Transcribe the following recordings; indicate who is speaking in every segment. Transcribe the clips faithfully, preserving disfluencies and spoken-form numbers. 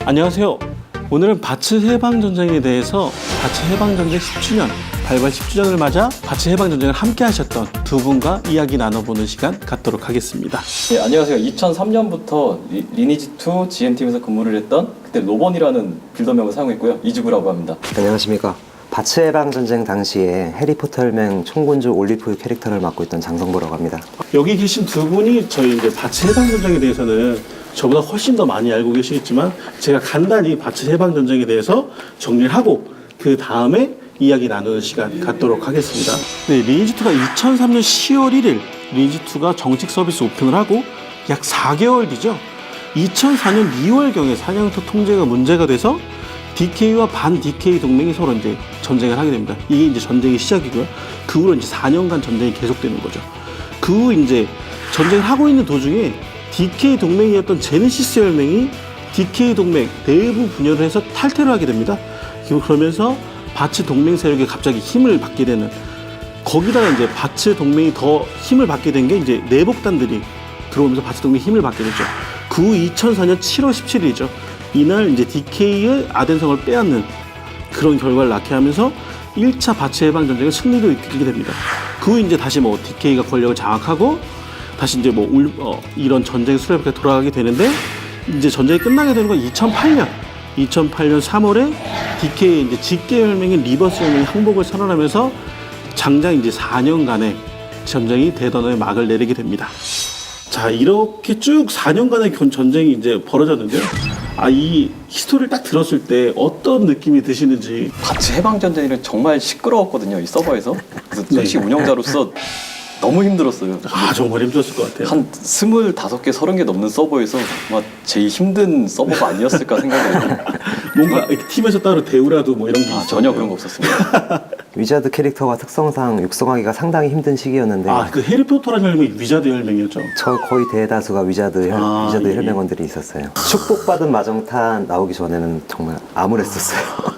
Speaker 1: 안녕하세요. 오늘은 바츠 해방전쟁에 대해서 바츠 해방전쟁 십 주년, 발발 십 주년을 맞아 바츠 해방전쟁을 함께 하셨던 두 분과 이야기 나눠보는 시간 갖도록 하겠습니다.
Speaker 2: 네, 안녕하세요. 이천삼 년부터 리, 리니지 투 지엠팀에서 근무를 했던 그때 로번이라는 빌더명을 사용했고요. 이주구라고 합니다.
Speaker 3: 안녕하십니까. 바츠 해방전쟁 당시에 해리포터 혈맹 총군주 올리프 캐릭터를 맡고 있던 장성보라고 합니다.
Speaker 1: 여기 계신 두 분이 저희 이제 바츠 해방전쟁에 대해서는 저보다 훨씬 더 많이 알고 계시겠지만 제가 간단히 바츠 해방전쟁에 대해서 정리를 하고 그 다음에 이야기 나누는 시간 갖도록 하겠습니다. 네, 리니지 투가 이천삼 년 시월 일일 리니지 투가 정식 서비스 오픈을 하고 약 사 개월 뒤죠. 이천사 년 이월경에 사냥터 통제가 문제가 돼서 디케이와 반 디케이 동맹이 서로 이제 전쟁을 하게 됩니다. 이게 이제 전쟁의 시작이고요. 그 후로 이제 사 년간 전쟁이 계속되는 거죠. 그 후 이제 전쟁을 하고 있는 도중에 디케이 동맹이었던 제네시스 혈맹이 디케이 동맹 내부 분열을 해서 탈퇴를 하게 됩니다. 그러면서 바츠 동맹 세력이 갑자기 힘을 받게 되는, 거기다가 이제 바츠 동맹이 더 힘을 받게 된 게 이제 내복단들이 들어오면서 바츠 동맹이 힘을 받게 되죠. 그 후 이천사 년 칠월 십칠일이죠. 이날 이제 디케이의 아덴성을 빼앗는 그런 결과를 낳게 하면서 일 차 바츠 해방 전쟁을 승리로 이끌게 됩니다. 그 후 이제 다시 뭐 디케이가 권력을 장악하고 다시 이제 뭐 울, 어, 이런 전쟁 수레바퀴가 돌아가게 되는데, 이제 전쟁이 끝나게 되는 건 이천팔 년 이천팔 년 삼월에 디케이 이제 직계 혈맹인 리버스 혈맹이 항복을 선언하면서 장장 이제 사 년간의 전쟁이 대단원의 막을 내리게 됩니다. 자, 이렇게 쭉 사 년간의 전쟁이 이제 벌어졌는데요. 아, 이 히스토리를 딱 들었을 때 어떤 느낌이 드시는지.
Speaker 2: 바츠 해방전쟁은 정말 시끄러웠거든요. 이 서버에서. 그래서
Speaker 1: 네.
Speaker 2: 솔직히 운영자로서 너무 힘들었어요.
Speaker 1: 아, 정말 힘들었을 것 같아요.
Speaker 2: 한 스물다섯 개, 서른 개 넘는 서버에서 아마 제일 힘든 서버가 아니었을까 생각해요.
Speaker 1: 뭔가 이렇게 팀에서 따로 대우라도 뭐 이런 게
Speaker 2: 아,
Speaker 1: 있어요?
Speaker 2: 전혀 그런 거 없었습니다.
Speaker 3: 위자드 캐릭터가 특성상 육성하기가 상당히 힘든 시기였는데
Speaker 1: 아, 그 해리포터라는 혈맹이 위자드 혈맹이었죠?
Speaker 3: 저 거의 대다수가 위자드, 혈,
Speaker 1: 아,
Speaker 3: 위자드
Speaker 1: 예.
Speaker 3: 혈맹원들이 있었어요. 축복받은 마정탄 나오기 전에는 정말 암울했었어요.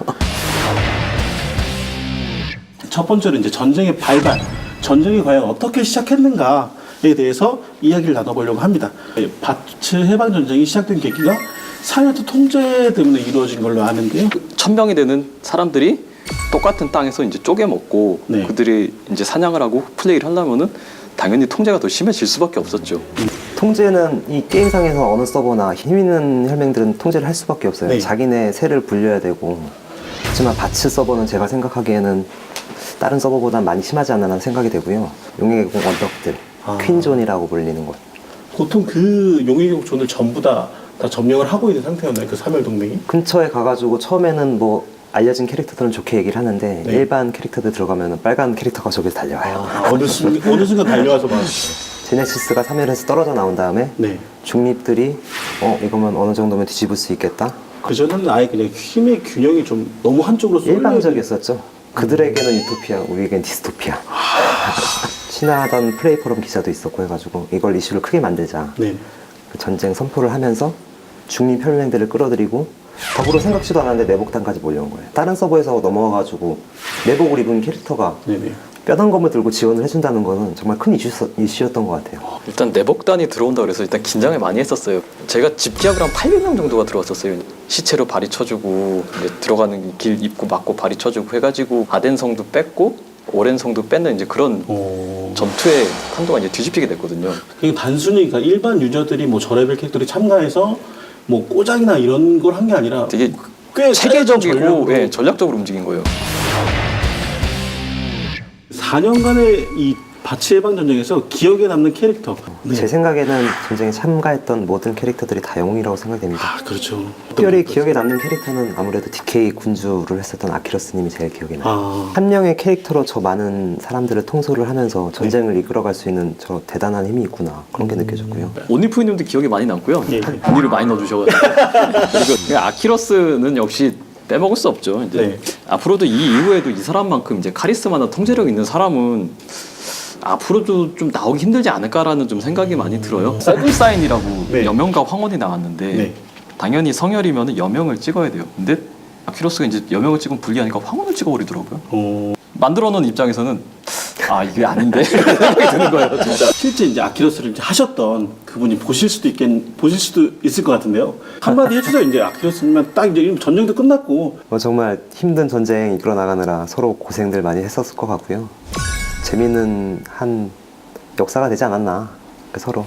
Speaker 1: 첫 번째로 이제 전쟁의 발발, 전쟁이 과연 어떻게 시작했는가에 대해서 이야기를 나눠보려고 합니다. 바츠 해방 전쟁이 시작된 계기가 사냥터 통제 때문에 이루어진 걸로 아는데요.
Speaker 2: 천 명이 되는 사람들이 똑같은 땅에서 이제 쪼개 먹고
Speaker 1: 네.
Speaker 2: 그들이 이제 사냥을 하고 플레이를 하려면은 당연히 통제가 더 심해질 수밖에 없었죠.
Speaker 3: 통제는 이 게임상에서 어느 서버나 힘 있는 혈맹들은 통제를 할 수밖에 없어요.
Speaker 1: 네.
Speaker 3: 자기네 세를 불려야 되고. 하지만 바츠 서버는 제가 생각하기에는 다른 서버보다 많이 심하지 않나 생각이 되고요. 용의 계곡 언덕들,
Speaker 1: 아.
Speaker 3: 퀸존이라고 불리는 곳.
Speaker 1: 보통 그 용의계곡 존을 전부 다, 다 점령을 하고 있는 상태였나요? 그 사멸 동맹이?
Speaker 3: 근처에 가가지고 처음에는 뭐 알려진 캐릭터들은 좋게 얘기를 하는데
Speaker 1: 네.
Speaker 3: 일반 캐릭터들 들어가면 빨간 캐릭터가 저기서 달려와요.
Speaker 1: 아, 어느 순간, 어느 순간 달려와서 막.
Speaker 3: 제네시스가 사멸해서 떨어져 나온 다음에
Speaker 1: 네.
Speaker 3: 중립들이 어 이거면 어느 정도면 뒤집을 수 있겠다.
Speaker 1: 그전에는 아예 그냥 힘의 균형이 좀 너무 한쪽으로 쏠려.
Speaker 3: 일방적이었었죠. 그들에게는 유토피아, 우리에겐 디스토피아. 친하던 플레이 포럼 기사도 있었고 해가지고 이걸 이슈를 크게 만들자.
Speaker 1: 네.
Speaker 3: 그 전쟁 선포를 하면서 중립 혈맹들을 끌어들이고 더불어 생각지도 않았는데 내복단까지 몰려온 거예요. 다른 서버에서 넘어와가지고 내복을 입은 캐릭터가
Speaker 1: 네네.
Speaker 3: 뼈단검을 들고 지원을 해준다는 거는 정말 큰 이슈, 이슈였던 것 같아요.
Speaker 2: 일단 내복단이 들어온다 그래서 일단 긴장을 많이 했었어요. 제가 집기압을 한 팔백 명 정도가 들어왔었어요. 시체로 발이 쳐주고 이제 들어가는 길 입구 막고 발이 쳐주고 해가지고 아덴성도 뺐고 오렌성도 뺏는 이제 그런
Speaker 1: 오.
Speaker 2: 전투의 판도가 이제 뒤집히게 됐거든요.
Speaker 1: 이게 단순히 그러니까 일반 유저들이 뭐 저레벨 캐릭터들이 참가해서 뭐 꼬장이나 이런 걸 한 게 아니라
Speaker 2: 되게
Speaker 1: 꽤
Speaker 2: 체계적이고
Speaker 1: 전략으로
Speaker 2: 예, 전략적으로 움직인 거예요.
Speaker 1: 사 년간의 이 바츠 해방 전쟁에서 기억에 남는 캐릭터. 네.
Speaker 3: 제 생각에는 전쟁에 참가했던 모든 캐릭터들이 다 영웅이라고 생각됩니다.
Speaker 1: 아, 그렇죠.
Speaker 3: 특별히 기억에 남는 캐릭터는 아무래도 디케이 군주를 했었던 아키러스님이 제일 기억에 나요.
Speaker 1: 아,
Speaker 3: 한 명의 캐릭터로 저 많은 사람들을 통솔을 하면서 전쟁을 이끌어갈 수 있는 저 대단한 힘이 있구나, 그런 게 느껴졌고요.
Speaker 2: 온니프님도 기억에 많이 남고요.
Speaker 1: 예.
Speaker 2: 언니를 많이 넣어주셔가지고 그리고 아키러스는 역시 빼먹을 수 없죠. 이제
Speaker 1: 네.
Speaker 2: 앞으로도 이 이후에도 이 사람만큼 이제 카리스마나 통제력 있는 사람은 앞으로도 좀 나오기 힘들지 않을까라는 좀 생각이 많이 들어요. 세븐사인이라고
Speaker 1: 네.
Speaker 2: 여명과 황혼이 나왔는데
Speaker 1: 네.
Speaker 2: 당연히 성혈이면 여명을 찍어야 돼요. 근데 아키러스가 이제 여명을 찍으면 불리하니까 황혼을 찍어버리더라고요.
Speaker 1: 어,
Speaker 2: 만들어 놓은 입장에서는 아 이게 아닌데 생각이 드는 거예요 진짜.
Speaker 1: 실제 이제 아키러스를 이제 하셨던 그분이 보실 수도 있겠 보실 수도 있을 것 같은데요. 한마디 해주세요. 이제 아키러스면 딱 이제 전쟁도 끝났고
Speaker 3: 뭐 정말 힘든 전쟁 이끌어 나가느라 서로 고생들 많이 했었을 것 같고요. 재미있는 한 역사가 되지 않았나 서로.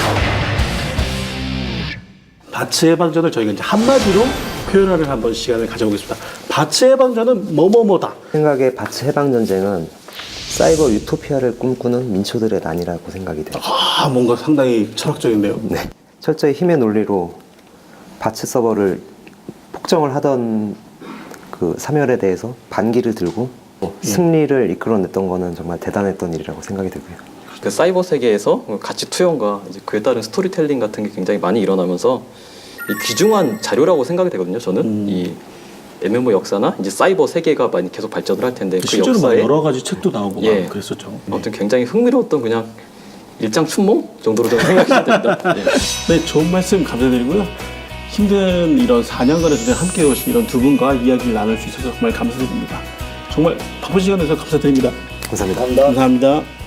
Speaker 1: 바츠 해방전을 저희가 이제 한마디로 표현하는 한번 시간을 가져보겠습니다. 바츠 해방전은 뭐뭐뭐다.
Speaker 3: 생각에 바츠 해방전쟁은 사이버 유토피아를 꿈꾸는 민초들의 난이라고 생각이 돼요.
Speaker 1: 아 뭔가 상당히 철학적인데요.
Speaker 3: 네. 철저히 힘의 논리로 바츠 서버를 폭정을 하던 그 사멸에 대해서 반기를 들고 승리를 이끌어냈던 거는 정말 대단했던 일이라고 생각이 들고요.
Speaker 2: 그 사이버 세계에서 가치 투영과 이제 그에 따른 스토리텔링 같은 게 굉장히 많이 일어나면서 이 귀중한 자료라고 생각이 되거든요. 저는
Speaker 1: 음.
Speaker 2: 이 엠엠오 역사나 이제 사이버 세계가 많이 계속 발전을 할 텐데 그
Speaker 1: 실제로 막
Speaker 2: 역사에
Speaker 1: 여러 가지 책도 나오고 막
Speaker 2: 예.
Speaker 1: 그랬었죠. 네.
Speaker 2: 아무튼 굉장히 흥미로웠던 그냥 일장 춘몽 정도로 저는 생각이 됩니다. 예.
Speaker 1: 네, 좋은 말씀 감사드리고요. 힘든 이런 사 년간의 전쟁 함께 오신 이런 두 분과 이야기를 나눌 수 있어서 정말 감사드립니다. 정말 바쁜 시간 내서 감사드립니다.
Speaker 3: 감사합니다.
Speaker 1: 감사합니다.